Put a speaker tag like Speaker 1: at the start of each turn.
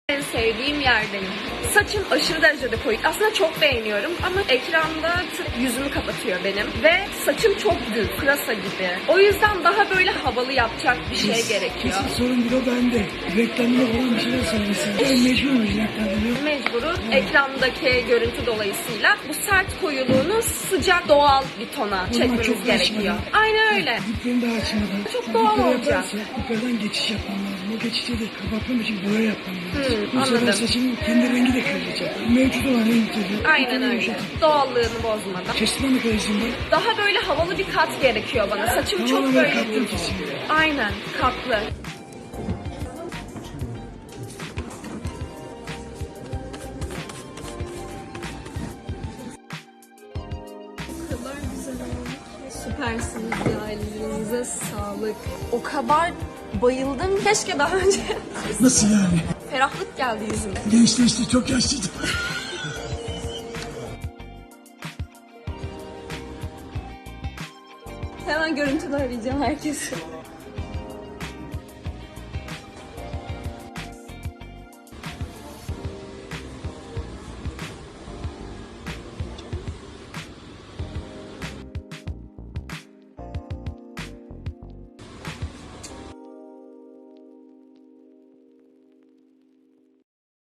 Speaker 1: En sevdiğim yerdeyim. Saçım aşırı derecede koyu. Aslında çok beğeniyorum ama ekranda yüzümü kapatıyor benim. Ve saçım çok düz, pırasa gibi. O yüzden daha böyle havalı yapacak bir şey gerekiyor.
Speaker 2: Kesin sorun bir o bende. Reklamda olan bir şeyler söylesin. Ben mecburuz reklamda.
Speaker 1: Mecburuz. Ekrandaki görüntü dolayısıyla bu sert koyuluğunu sıcak, doğal bir tona çekmemiz gerekiyor. Aynen öyle.
Speaker 2: Diplerini daha açmadan.
Speaker 1: Çok doğal olacak.
Speaker 2: Diplerden geçiş yapmam lazım. O geçişte de kapatmam için boya yapmam lazım. Bu
Speaker 1: anladım.
Speaker 2: sefer saçımın kendi rengi de kırılacak. Mevcut olan renkleri.
Speaker 1: Aynen öyle. Doğallığını bozmadan.
Speaker 2: Kestirme mekanizminde.
Speaker 1: Daha böyle havalı bir kat gerekiyor bana. Saçım çok
Speaker 2: Tamamen
Speaker 1: böyle
Speaker 2: kattım
Speaker 1: düz.
Speaker 2: kesin.
Speaker 1: Aynen, katlı. O kadar güzel olmuş. Süpersiniz ya, ellerinize sağlık. O kadar bayıldım. Keşke daha önce
Speaker 2: Nasıl yani?
Speaker 1: ferahlık geldi yüzüme.
Speaker 2: Gençleşti, çok yaşlıydım.
Speaker 1: Hemen görüntülü arayacağım herkesi.